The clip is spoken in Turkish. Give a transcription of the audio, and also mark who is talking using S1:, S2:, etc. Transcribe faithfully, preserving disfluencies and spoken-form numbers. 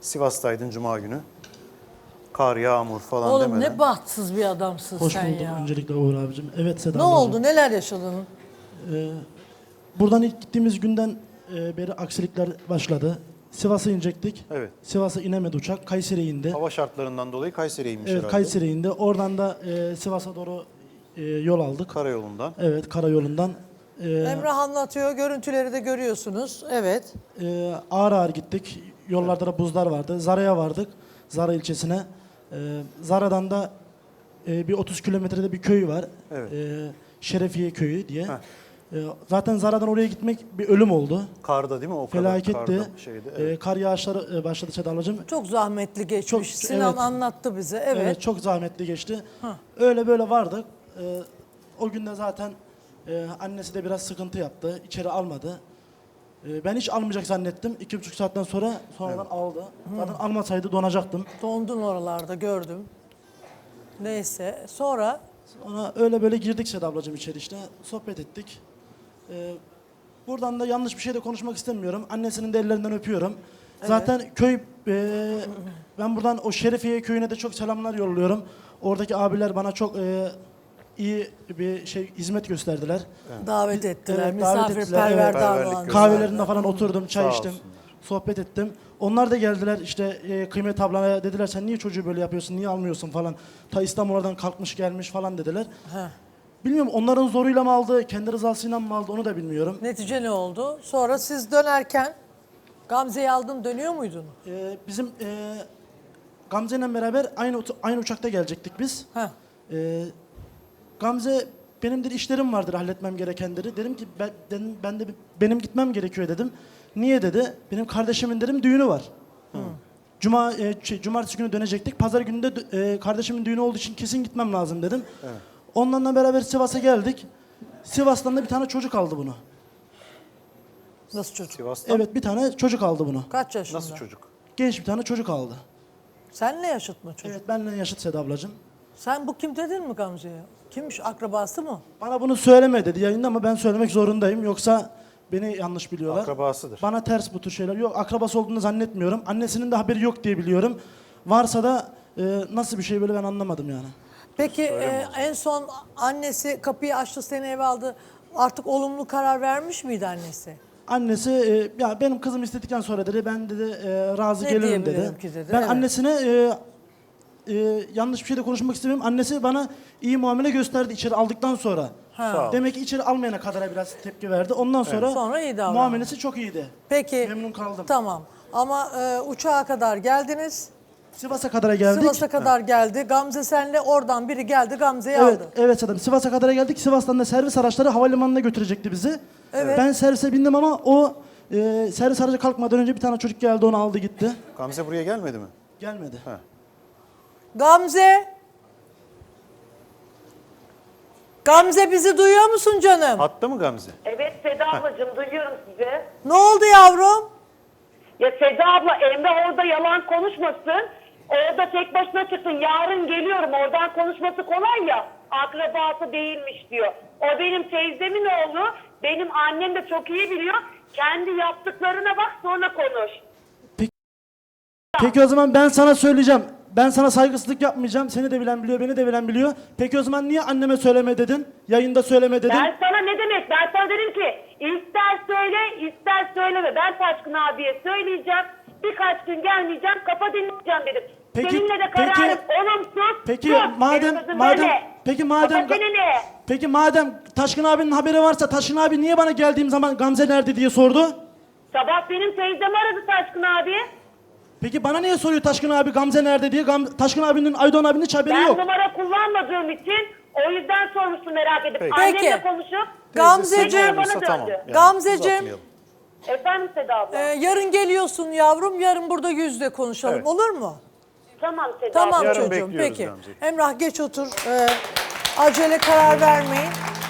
S1: Sivas'taydın Cuma günü. Kar, yağmur falan
S2: Oğlum
S1: demeden.
S2: ne bahtsız bir adamsın
S3: Hoş
S2: sen
S3: bulduk
S2: ya.
S3: öncelikle Uğur abicim. Evet Seda
S2: Ne
S3: ablacığım.
S2: oldu? Neler yaşadın?
S3: Ee, buradan ilk gittiğimiz günden e, beri aksilikler başladı. Sivas'a inecektik.
S1: Evet.
S3: Sivas'a inemedi uçak. Kayseri'ye indi.
S1: Hava şartlarından dolayı Kayseri'ye inmiş
S3: Evet
S1: herhalde.
S3: Kayseri'ye indi. Oradan da e, Sivas'a doğru e, yol aldık.
S1: Karayolundan.
S3: Evet karayolundan. E,
S2: Emrah anlatıyor. Görüntüleri de görüyorsunuz. Evet.
S3: e, ağır ağır gittik. Yollarda da buzlar vardı. Zara'ya vardık. Zara ilçesine. E, Zara'dan da e, bir otuz kilometrede bir köy var.
S1: Evet.
S3: E, Şerefiye köyü diye.
S1: Heh.
S3: E, zaten Zara'dan oraya gitmek bir ölüm oldu.
S1: Karda değil mi o kadar?
S3: Felaketti.
S1: Karda şeydi. Evet.
S3: E, kar yağışları e, başladı Seda ablacığım.
S2: Çok zahmetli geçmiş.
S3: Çok-
S2: Sinan
S3: evet.
S2: anlattı bize. Evet.
S3: Evet. Çok zahmetli geçti.
S2: Hah.
S3: Öyle böyle vardık. E, o günde zaten e, annesi de biraz sıkıntı yaptı. İçeri almadı. E, ben hiç almayacak zannettim. İki buçuk saatten sonra sonradan aldı. Zaten almasaydı donacaktım.
S2: Dondun oralarda gördüm. Neyse. Sonra
S3: Sonra öyle böyle girdik Seda ablacığım içeri işte. Sohbet ettik. E, buradan da yanlış bir şey de konuşmak istemiyorum. Annesinin de ellerinden öpüyorum. Zaten köy, e, ben buradan o Şerefiye köyüne de çok selamlar yolluyorum. Oradaki abiler bana çok e, iyi bir şey hizmet gösterdiler.
S2: davet ettiler.
S3: Evet, davet ettiler,
S2: Misafirperver
S3: evet.
S2: davrandılar.
S1: Perverlik
S3: Kahvelerinde falan oturdum, çay
S1: Sağ
S3: içtim,
S1: olsunlar.
S3: sohbet ettim. Onlar da geldiler işte e, Kıymet ablana dediler sen niye çocuğu böyle yapıyorsun, niye almıyorsun falan. Ta İstanbul'dan kalkmış gelmiş falan dediler.
S2: Heh.
S3: Bilmiyorum onların zoruyla mı aldı, kendi rızasıyla mı aldı onu da bilmiyorum.
S2: Netice ne oldu? Sonra siz dönerken Gamze'yi aldın dönüyor muydun?
S3: E, bizim e, Gamze'yle beraber aynı uç- aynı uçakta gelecektik biz.
S2: Heh.
S3: E, Gamze benim dedi işlerim vardır halletmem gerekenleri. Dedim ki ben, dedim, ben de benim gitmem gerekiyor dedim. Niye dedi? Benim kardeşimin dedim düğünü var. Cuma e, şey, cumartesi günü dönecektik. Pazar günü de e, kardeşimin düğünü olduğu için kesin gitmem lazım dedim. Onlarla beraber Sivas'a geldik. Sivas'tan da bir tane çocuk aldı bunu.
S2: Nasıl çocuk?
S1: Sivas'tan
S3: Evet bir tane çocuk aldı bunu.
S2: Kaç yaşında?
S1: nasıl çocuk?
S3: Genç bir tane çocuk aldı.
S2: Senle yaşıt mı çocuk?
S3: Evet benimle yaşıt Seda ablacığım.
S2: Sen bu kim dedin mi Gamze'ye? Kimmiş? Akrabası mı?
S3: Bana bunu söyleme dedi yayında ama ben söylemek zorundayım. Yoksa beni yanlış biliyorlar.
S1: Akrabasıdır.
S3: Bana ters bu tür şeyler. Yok akrabası olduğunu zannetmiyorum. Annesinin de haberi yok diye biliyorum. Varsa da e, nasıl bir şey böyle ben anlamadım yani.
S2: Peki e, en son annesi kapıyı açtı seni eve aldı. Artık olumlu karar vermiş miydi annesi?
S3: Annesi e, ya benim kızım istedikten sonra dedi ben dedi e, razı
S2: Ne
S3: gelirim dedi.
S2: diyebilirim ki dedi,
S3: Ben
S2: evet.
S3: annesine e, e, yanlış bir şey de konuşmak istemiyorum. Annesi bana iyi muamele gösterdi içeri aldıktan sonra.
S2: Ha.
S1: Sağ ol.
S3: Demek ki içeri almayana kadar biraz tepki verdi. Ondan sonra,
S2: Sonra iyi davrandı.
S3: muamelesi çok iyiydi.
S2: Peki.
S3: Memnun kaldım.
S2: Tamam. Ama e, uçağa kadar geldiniz.
S3: Sivas'a kadar geldik.
S2: Sivas'a kadar geldi. Gamze senle oradan biri geldi Gamze'yi
S3: Evet,
S2: aldı.
S3: evet Sadım. Sivas'a kadar geldik. Sivas'tan da servis araçları havalimanına götürecekti bizi.
S2: Evet.
S3: Ben servise bindim ama o e, servis aracı kalkmadan önce bir tane çocuk geldi onu aldı gitti.
S1: Gamze buraya gelmedi mi?
S3: Gelmedi.
S1: Heh.
S2: Gamze. Gamze bizi duyuyor musun canım?
S1: Hatta mı Gamze?
S4: Evet Seda ablacığım duyuyorum sizi.
S2: Ne oldu yavrum?
S4: Ya Seda abla Emre orada yalan konuşmasın. Orada tek başına çıktın. Yarın geliyorum. Oradan konuşması kolay ya. Akrabası değilmiş diyor. O benim teyzemin oğlu. Benim annem de çok iyi biliyor. Kendi yaptıklarına bak sonra konuş.
S3: Peki o zaman ben sana söyleyeceğim. Ben sana saygısızlık yapmayacağım. Seni de bilen biliyor, beni de bilen biliyor. Peki o zaman niye anneme söyleme dedin? Yayında söyleme dedin.
S4: Ben sana ne demek? Ben sana dedim ki ister söyle ister söyleme. Ben Taşkın abiye söyleyeceğim. Birkaç gün gelmeyeceğim. Kafa dinleyeceğim dedim.
S3: Peki-
S4: Seninle de
S3: peki-
S4: kararım olumsuz.
S3: Peki
S4: sus.
S3: madem
S4: Benim kızım
S3: madem
S4: böyle.
S3: peki madem
S4: Kafa çeneni.
S3: Peki madem Taşkın abinin haberi varsa Taşkın abi niye bana geldiğim zaman Gamze nerede diye sordu?
S4: Sabah benim teyzem aradı Taşkın abi.
S3: Peki bana niye soruyor Taşkın abi Gamze nerede diye? Gam Taşkın abinin Aydoğan abinin hiç haberi
S4: Ben
S3: yok.
S4: numara kullanmadığım için o yüzden sormuştum merak edip.
S1: Peki.
S4: Annemle
S2: Peki.
S4: konuşup
S2: Gamzeciğim.
S4: tekrar
S1: Olursa
S4: bana
S1: tamam.
S4: döndü.
S1: Yani
S2: Gamzeciğim.
S1: uzatmayalım.
S4: Efendim Seda abla.
S2: Ee, yarın geliyorsun yavrum. Yarın burada yüzde konuşalım.
S1: Evet.
S2: Olur mu?
S4: Tamam Seda
S2: Tamam
S4: abla.
S1: Yarın
S2: çocuğum.
S1: bekliyoruz
S2: Peki.
S1: Gamze'yi.
S2: Emrah geç otur. Ee, acele karar vermeyin.